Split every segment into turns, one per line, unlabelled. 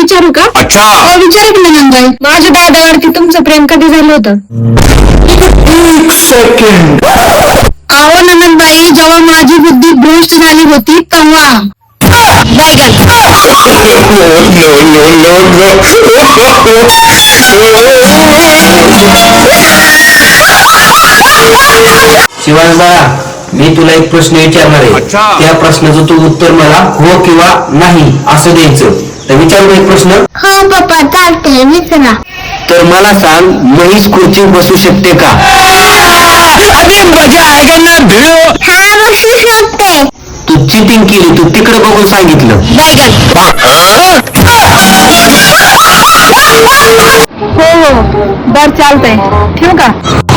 विचारू का?
अच्छा.
हो विचारू की नंदबाई. माझ्या दादावरती तुमचं प्रेम कधी झालं होतं?
1 सेकंड.
अहो नंदबाई, जेव्हा माझी बुद्धी भ्रष्ट झाली होती तेव्हा.
शिवाज बाळा, मी तुला एक प्रश्न विचारणार आहे. त्या प्रश्नाचं तू उत्तर मला हो किंवा नाही असं द्यायचं. तर विचारू एक प्रश्न.
हो पप्पा चालतंय, विचारा.
तर मला सांग, म्हैस खुर्ची बसू शकते का?
अभी मजा आएगा ना भिड़ो.
हा बसू शकते.
तू चिटिंग केली, तू तिकडे बघून सांगितलं.
हो हो बर चालतंय, ठेवू का?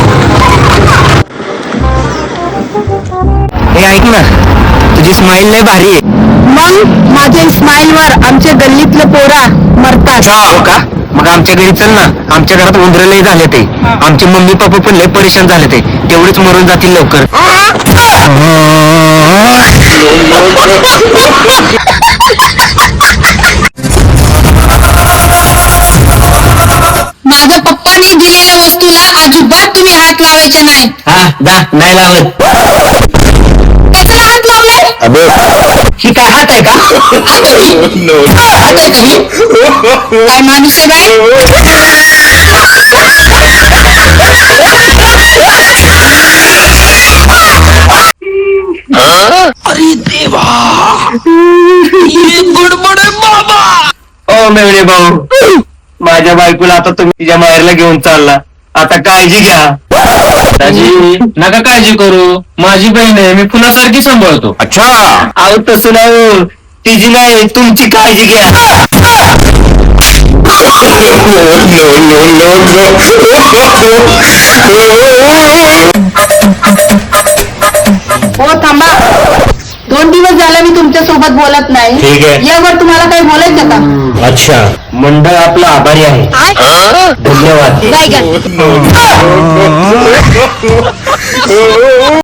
हे ऐक ना, तुझी स्माइल लय भारी आहे.
मग माझ्या स्माइल वर आमच्या गल्लीतलं पोरा मरतात.
हो का? मग आमच्या घरी चल ना. आमच्या घरात उंदरं लय झाले ते. आमचे मम्मी पप्पा पण लय परेशान झाले ते. तेवढेच मरून जातील लवकर.
माझ्या पप्पांनी दिलेल्या वस्तूला अजिबात तुम्ही हात लावायचे नाही.
नाही लावत.
कशाला हात लावलाय?
अबे, ही काय हात आहे का?
हात आहे का ही? काय माणूस आहे बाई?
अरे देवा, ये गडबड आहे बाबा.
ओ मेवणे भाऊ, माझ्या बायकोला आता तुम्ही तिच्या माहेरला घेऊन चालला. आता काळजी घ्या.
दाजी नका काळजी करू, माझी बहीण आहे, मी फुलासारखी सांभाळतो.
अच्छा.
अहो तसं नाही, तिची नाही, तुमची काळजी घ्या.
हो थांबा, 2 दिवस झाले मी तुमच्या सोबत बोलत नाही.
ठीक आहे.
यावर तुम्हाला काही बोलायचं का?
अच्छा, मंडळ आपलं आभारी आहे. धन्यवाद.
बाय.